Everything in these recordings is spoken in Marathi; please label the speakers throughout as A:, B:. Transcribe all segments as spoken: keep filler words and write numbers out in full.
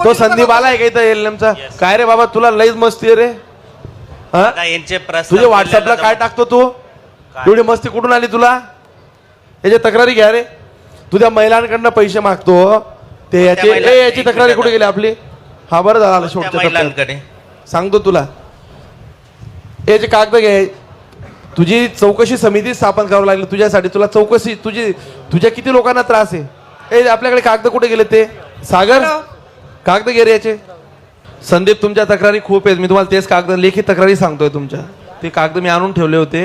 A: तो संदीप आलाय का इथं एलएमचा? काय रे बाबा तुला लईच मस्ती आहे रे.
B: आता यांचे प्रश्न
A: तुझ्या व्हॉट्सअपला काय टाकतो तू? एवढी मस्ती कुठून आली तुला? याची तक्रारी घ्या रे. तुझ्या महिलांकडनं पैसे मागतो ते याची
B: महिला-
A: ए, याची
B: एक
A: तक्रारी
B: मिनिट
A: कुठे गेली आपली? हा बरं झालं शेवटच्या टप्प्यात.
B: महिलांकडे
A: सांगतो तुला. याचे कागद घे. तुझी चौकशी समिती स्थापन करावं लागली तुझ्यासाठी. तुला चौकशी तुझी तुझ्या किती लोकांना त्रास आहे? ए आपल्याकडे कागद कुठे गेले ते? सागर कागद घे रे याचे. संदीप तुमच्या तक्रारी खूप आहेत. मी तुम्हाला तेच कागद लेखी तक्रारी सांगतोय तुमच्या. ते कागद मी आणून ठेवले होते.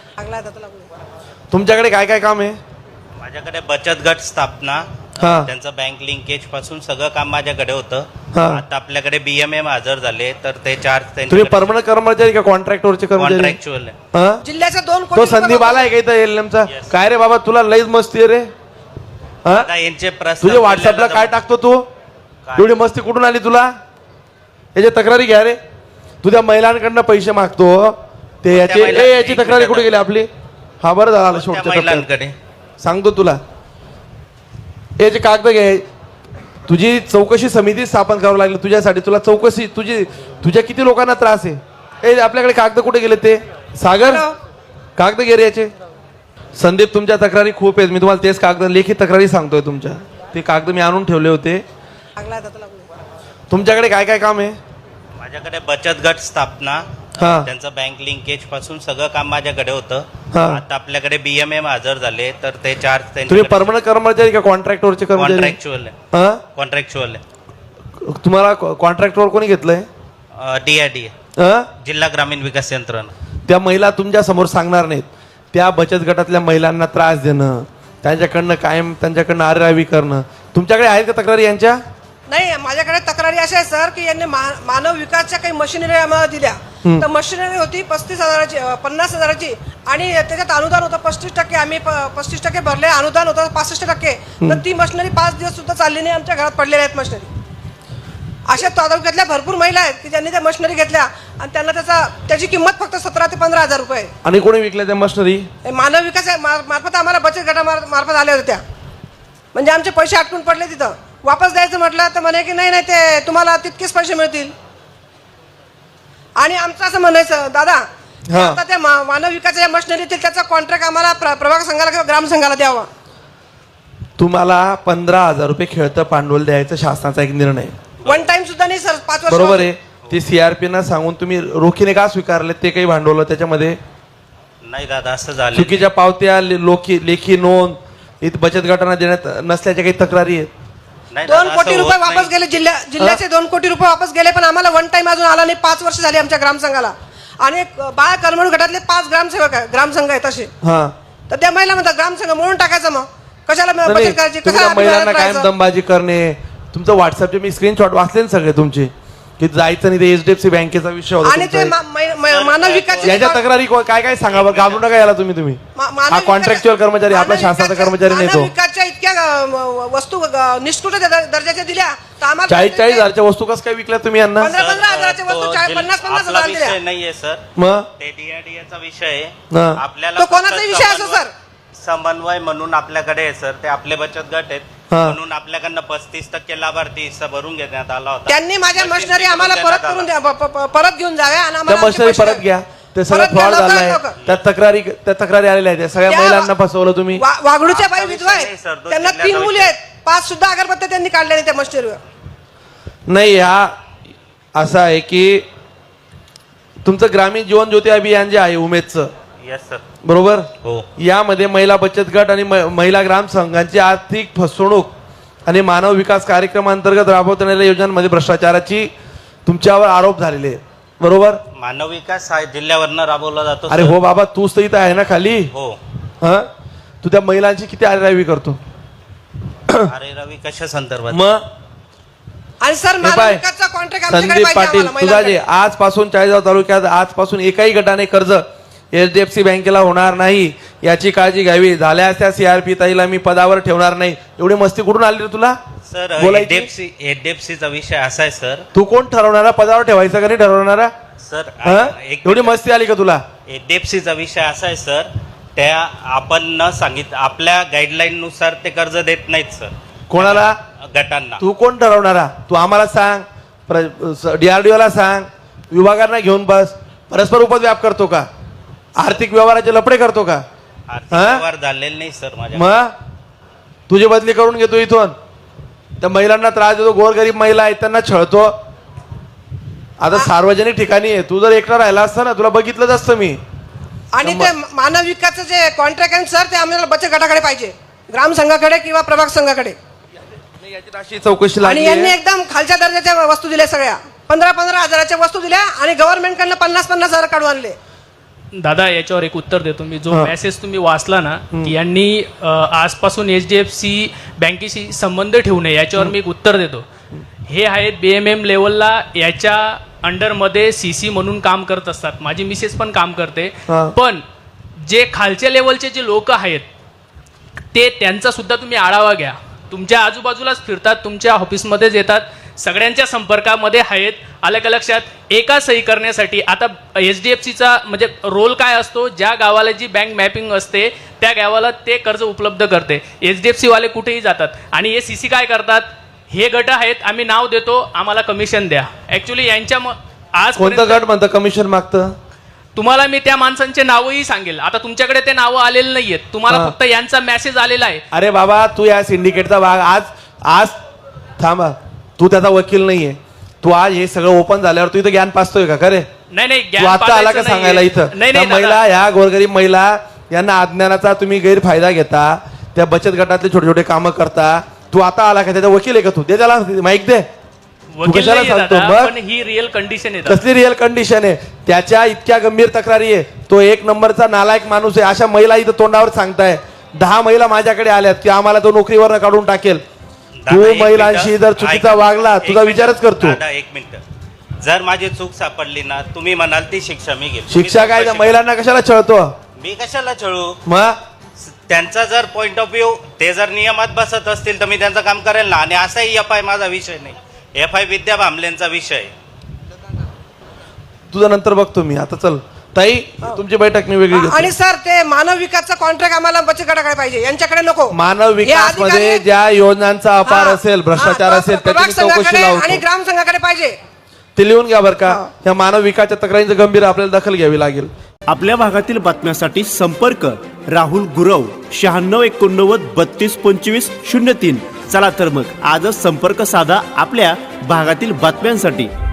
A: तुमच्याकडे काय काय काम आहे?
B: माझ्याकडे बचत गट स्थापना,
A: हा.
B: त्यांचं बँक लिंकेज पासून सगळं काम माझ्याकडे होतं.
A: हा.
B: आता आपल्याकडे बीएमएम हजर झाले तर ते चार्ज
A: तुम्ही परमनंट कर्मचारी का कॉन्ट्रॅक्टरचे कर्मचारी?
B: कॉन्ट्रॅक्च्युअल
A: हा?
C: जिल्ह्याच्या दोन
A: तो
C: कोटी
A: संदीप आलाय का इथं एलएमचा? काय रे बाबा तुला लईच मस्ती आहे रे. हा?
B: आता यांचे प्रश्न
A: तुझ्या व्हॉट्सअपला काय टाकतो तू? एवढी मस्ती कुठून आली तुला? याची तक्रारी घ्या रे. तुझ्या महिलांकडनं पैसे मागतो ते याची
B: महिला-
A: ए, याची
B: एक
A: तक्रारी
B: मिनिट.
A: कुठे गेली आपली? हा बरं झालं शेवटच्या टप्प्यात.
B: महिलांकडे
A: सांगतो तुला. याचे कागद घे. तुझी चौकशी समिती स्थापन करावं लागली तुझ्यासाठी. तुला चौकशी तुझी तुझ्या किती लोकांना त्रास आहे? ए आपल्याकडे कागद कुठे गेले ते? सागर कागद घे रे याचे. संदीप तुमच्या तक्रारी खूप आहेत. मी तुम्हाला तेच कागद लेखी तक्रारी सांगतोय तुमच्या. ते कागद मी आणून ठेवले होते. तुमच्याकडे काय काय काम आहे?
B: माझ्याकडे बचत गट स्थापना,
A: हा.
B: त्यांचं बँक लिंकेज पासून सगळं काम माझ्याकडे होतं.
A: हा.
B: आता आपल्याकडे बीएमएम हजर झाले तर ते चार्ज
A: तुम्ही परमनंट कर्मचारी का कॉन्ट्रॅक्टरचे कर्मचारी?
B: कॉन्ट्रॅक्च्युअल
A: हा?
B: कॉन्ट्रॅक्च्युअल
A: तुम्हाला कॉन्ट्रॅक्टरवर कोणी घेतलंय?
B: डीआयडी
A: हा?
B: जिल्हा ग्रामीण विकास यंत्रणा.
A: त्या महिला तुमच्या समोर सांगणार नाहीत. त्या बचत गटातल्या महिलांना त्रास देणं, त्यांच्याकडनं कायम त्यांच्याकडनं आरेरावी करणं. तुमच्याकडे आहेत का तक्रारी यांच्या?
C: नाही, माझ्याकडे तक्रारी अशा आहे सर की यांनी मा- मानव विकासच्या काही मशिनरी आम्हाला दिल्या. तर मशिनरी होती पस्तीस हजाराची अं, पन्नास हजाराची आणि त्याच्यात अनुदान होतं पस्तीस टक्के. आम्ही प- पस्तीस टक्के भरले, अनुदान होतं पासष्ट टक्के. तर ती मशिनरी पाच दिवस सुद्धा चालली नाही. आमच्या घरात पडलेल्या आहेत मशिनरी. अशा तालुक्यातल्या भरपूर महिला आहेत की ज्यांनी त्या मशिनरी घेतल्या आणि त्यांना त्याचा त्याची किंमत फक्त सतरा ते पंधरा हजार रुपये आहे.
A: आणि कोणी विकल्या त्या मशिनरी?
C: हे मानव विकास आहे, मार- मार्फत आम्हाला बचत गटा मार- मार्फत आल्या होत्या. म्हणजे आमचे पैसे अटकून पडले तिथं. वापस द्यायचं म्हटलं तर म्हणे की नाही नाही ते तुम्हाला तितकेच पैसे मिळतील. आणि आमचं असं म्हणायचं दादा की
A: हा.
C: आता त्या मा- मानव विकासाच्या मशिनरी त्याचा कॉन्ट्रॅक्ट आम्हाला प्र- प्रभाग संघाला किंवा ग्राम संघाला द्यावा.
A: तुम्हाला पंधरा हजार रुपये खेळतं भांडवल द्यायचं शासनाचा एक निर्णय.
C: वन टाइम सुद्धा नाही सर, पाच वर्ष
A: बरोबर आहे. ते सीआरपी ना सांगून तुम्ही रोखीने का स्वीकारले ते काही भांडवल त्याच्यामध्ये?
B: नाही दादा असं झालं.
A: चुकीच्या पावत्या ले- लोकी लेखी नोंद इथं बचत गटांना देण्यात नसल्याच्या काही तक्रारी आहेत?
B: नाही
C: दोन
B: दादा,
C: कोटी
B: असं
C: रुपये
B: होत
C: वापस
B: नाही.
C: गेले. जिल्ह्या जिल्ह्याचे दोन कोटी रुपये वापस गेले पण आम्हाला वन टाइम अजून आला नाही. पाच वर्ष झाली आमच्या ग्रामसंघाला. आणि एक बाळ करमणूक गटातले पाच ग्रामसेवक आहे, ग्रामसंघ आहेत असे.
A: हा.
C: तर त्या महिला म्हणतात ग्रामसंघ म्हणून टाकायचं. मग कशाला
A: नाही,
C: बचत करायची?
A: तुम्ही
C: कशाला
A: त्या महिलांना
C: आम्ही
A: कायम
C: राहायचं?
A: दमबाजी करणे. तुमचं व्हॉट्सअपचे मी स्क्रीनशॉट वाचले ना सगळे तुमचे की जायचं नाही. ते एचडीएफसी बँकेचा विषय होता
C: आणि ते
A: तुमचा
C: मा- मै- मै- मानव विकास
A: याच्या तक्रारी को- काय काय सांगा बरं. घाबरू नका याला तुम्ही तुम्ही हा कॉन्ट्रॅक्च्युअल कर्मचारी आपला शासनाचा कर्मचारी नाही तो.
C: विकासच्या इतक्या अ, म- वस्तू अ, निष्ठुर दर- दर्जाच्या दिल्या तर आम्हाला
A: चाळीस चाळीस हजारच्या वस्तू कसं काय विकल्या तुम्ही यांना?
C: पंधरा पंधरा हजाराच्या वस्तू
B: तो
C: चाळीस-
B: जिल-
C: पन्नास पन्नास
B: आपला
C: हजार
B: विषय
C: दिल्या.
B: नाहीये सर.
A: मग
B: ते डीआयडीचा विषय आहे.
A: हा.
B: आपल्याला
C: तो
B: फक्त
C: कोणाचा विषय असो
B: समन्वय-
C: सर?
B: समन्वय म्हणून आपल्याकडे आहे सर. ते आपले बचत गट आहेत
A: हा.
B: म्हणून आपल्याकडनं पस्तीस टक्के लाभार्थी हिस्सा भरून घेण्यात आला होता.
C: त्यांनी माझ्या
B: मशीन
C: मशिनरी
B: करून
C: आम्हाला
B: देण्यात
C: परत करून
B: आला.
C: द्या, प- प- परत घेऊन जाव्या आणि
A: त्या
C: आम्हाला आमचे
A: मशिनरी
C: पैसे
A: परत घ्या. ते सगळं
C: परत घ्या,
A: फ्रॉड
C: लवकरात
A: झालाय.
C: लवकर.
A: त्या तक्रारी त्या तक्रारी आलेल्या आहेत. त्या सगळ्या
C: त्या-
A: महिलांना फसवलं तुम्ही.
C: वा- वाघडूच्या बाई
B: आता
C: विधवा
B: विषय नाही
C: आहेत.
B: सर, तो
C: त्यांना
B: जिल्ह्याचा
C: तीन मुली
B: विषय.
C: आहेत. पाच सुद्धा अगरबत्त्या त्यांनी काढल्या नाही त्या मशिनरीवर.
A: नाही हा असं आहे की तुमचं ग्रामीण जीवन ज्योती अभियान जे आहे उमेदचं
B: येस सर.
A: बरोबर,
B: हो.
A: यामध्ये महिला बचत गट आणि म- महिला ग्राम संघांची आर्थिक फसवणूक आणि मानव विकास कार्यक्रमांतर्गत राबवण्यात येणाऱ्या योजनांमध्ये भ्रष्टाचाराची तुमच्यावर आरोप झालेले आहेत. बरोबर.
B: मानव विकास हा जिल्ह्यावरनं राबवला जातो
A: अरे
B: सर.
A: हो बाबा तूच तर इथं आहे ना खाली.
B: हो.
A: हा तू त्या महिलांची किती आरेरावी करतो?
B: अरे रवी कशा संदर्भात?
A: मग
C: आणि सर
A: हे
C: मानव
A: पाय,
C: विकासचा कॉन्ट्रॅक्ट आमच्याकडे
A: संदीप
C: पाहिजे
A: पाटील
C: आम्हाला,
A: तुझा जे
C: महिलांकडे.
A: आजपासून चाळीसगाव तालुक्यात आजपासून एकाही गटाने कर्ज एचडीएफसी बँकेला होणार नाही याची काळजी घ्यावी. झाल्यास त्या सीआरपी ताईला मी पदावर ठेवणार नाही. एवढी मस्ती कुठून आली रे तुला?
B: सर
A: बोलायची?
B: एचडीएफसी एचडीएफसीचा विषय असा आहे सर.
A: तू कोण ठरवणारा पदावर ठेवायचा का नाही ठरवणारा?
B: सर
A: हा?
B: एक
A: एवढी मस्ती आली का तुला?
B: एचडीएफसीचा विषय असा आहे सर. त्या आपण न सांगित आपल्या गाईडलाईन नुसार ते कर्ज देत नाहीत सर.
A: कोणाला?
B: गटांना.
A: तू कोण ठरवणारा? तू आम्हाला सांग, डीआरडीओ ला सांग, विभागांना घेऊन बस. परस्पर उपद्व्याप करतो का? आर्थिक व्यवहाराचे लपडे करतो का?
B: आर्थिक
A: हा?
B: व्यवहार झालेले नाही सर माझ्या.
A: मग तुझी बदली करून घेतो इथून. त्या महिलांना त्रास देतो, गोरगरीब महिला आहेत त्यांना छळतो. आता सार्वजनिक ठिकाणी आहे, तू जर एकटा राहिला असता ना तुला बघितलंच असतं मी.
C: आणि ते मानव विकासचं जे कॉन्ट्रॅक्ट आहे सर, ते आम्हाला बचत गटाकडे पाहिजे, ग्राम संघाकडे किंवा प्रभाग संघाकडे.
A: याची राशी चौकशी
C: आणि
A: लागली
C: यांनी
A: आहे.
C: एकदम खालच्या दर्जाच्या वस्तू दिल्या, सगळ्या पंधरा पंधरा हजाराच्या वस्तू दिल्या आणि गव्हर्नमेंटकडनं पन्नास पन्नास हजार काढून आणले.
D: दादा याच्यावर एक उत्तर देतो मी. जो
A: हा.
D: मेसेज तुम्ही वाचला ना की यांनी अ, आजपासून एच डी एफ सी बँकेशी संबंध ठेवू नये, याच्यावर मी एक उत्तर देतो. हे आहेत बी एम एम लेवलला, याच्या अंडरमध्ये सी सी म्हणून काम करत असतात. माझी मिसेस पण काम करते.
A: हा.
D: पण जे खालच्या लेवलचे जे लोक आहेत ते त्यांचा सुद्धा तुम्ही आढावा घ्या. तुमच्या आजूबाजूलाच फिरतात, तुमच्या ऑफिसमध्येच येतात, सगळ्यांच्या संपर्कामध्ये आहेत. आलं का लक्षात? एका सही करण्यासाठी आता एच डी एफ सीचा म्हणजे रोल काय असतो? ज्या गावाला जी बँक मॅपिंग असते त्या गावाला ते कर्ज उपलब्ध करते. एच डी एफ सी वाले कुठेही जातात आणि हे सी सी काय करतात? हे गट आहेत, आम्ही नाव देतो, आम्हाला कमिशन द्या. ऍक्च्युली यांच्या आज
A: कोणतं गट म्हणतं कमिशन मागतं?
D: तुम्हाला मी त्या माणसांचे नावही सांगेल. आता तुमच्याकडे ते नावं आलेले नाहीयेत, तुम्हाला
A: हा.
D: फक्त यांचा मेसेज आलेला आहे.
A: अरे बाबा, तू या सिंडिकेटचा भाग आज आज थांबा, तू त्याचा वकील नाहीये. तू आज हे सगळं ओपन झाल्यावर तू इथं ज्ञान पाचतोय का खरे?
D: नाही नाही,
A: तू
D: ज्ञान
A: आता आला का
D: पाजायचं
A: सांगायला
D: नाहीये.
A: इथं?
D: नाही
A: त्या
D: नाही
A: महिला,
D: दादा.
A: ह्या गोरगरीब महिला यांना अज्ञानाचा तुम्ही गैरफायदा घेता, त्या बचत गटातले छोटे छोटे कामं करता. तू आता आला का? त्याचा वकील आहे का तू? दे त्याला माईक दे.
D: वकील
A: कशाला
D: नाहीये
A: सांगतो?
D: दादा,
A: मग?
D: पण ही रिअल कंडिशन आहे.
A: कसली रिअल कंडिशन आहे? त्याच्या इतक्या गंभीर तक्रारी आहे. तो एक नंबरचा नालायक माणूस आहे. अशा महिला इथं तोंडावर सांगताय. दहा महिला माझ्याकडे आल्यात की आम्हाला तो नोकरीवर काढून टाकेल.
B: दादा,
A: तू
B: एक
A: महिलांशी
B: मिनिटं.
A: जर चुकीचा
B: ऐक-
A: वागला,
B: एक
A: तुझा
B: मिनिटं.
A: विचारच करतो.
B: दादा एक मिनिट, जर माझी चूक सापडली ना, तुम्ही म्हणाल ती शिक्षा मी घेईल.
A: शिक्षा काय? त्या महिलांना कशाला छळतो?
B: मी कशाला छळू?
A: मग
B: त्यांचा जर पॉइंट ऑफ व्ह्यू ते जर नियमात बसत असतील तर मी त्यांचं काम करेल ना. आणि असाही एफ आय माझा विषय नाही, एफ आय विद्या भांबलेंचा विषय.
A: तुझा नंतर बघतो मी. आता चल ताई, तुमची बैठक मी वेगळी घेतो.
C: आणि सर, ते मानव विकासचा कॉन्ट्रॅक्ट आम्हाला बचत गटाकडे पाहिजे, यांच्याकडे नको.
A: मानव विकास
C: हे
A: मध्ये
C: अधिकारी-
A: ज्या योजनांचा अपार
C: हा,
A: असेल, भ्रष्टाचार
C: हा,
A: असेल,
C: प्रभाग
A: त्याची मी चौकशी
C: संघाकडे आणि
A: लावतो.
C: ग्राम संघाकडे पाहिजे.
A: ते लिहून घ्या बरं का. या मानव विकासच्या तक्रारींचं गंभीर आपल्याला दखल घ्यावी लागेल.
E: आपल्या भागातील बातम्यांसाठी संपर्क राहुल गुरव शहाण्णव एकोणनव्वद बत्तीस पंचवीस शून्य तीन. चला तर मग आजच संपर्क साधा आपल्या भागातील बातम्यांसाठी.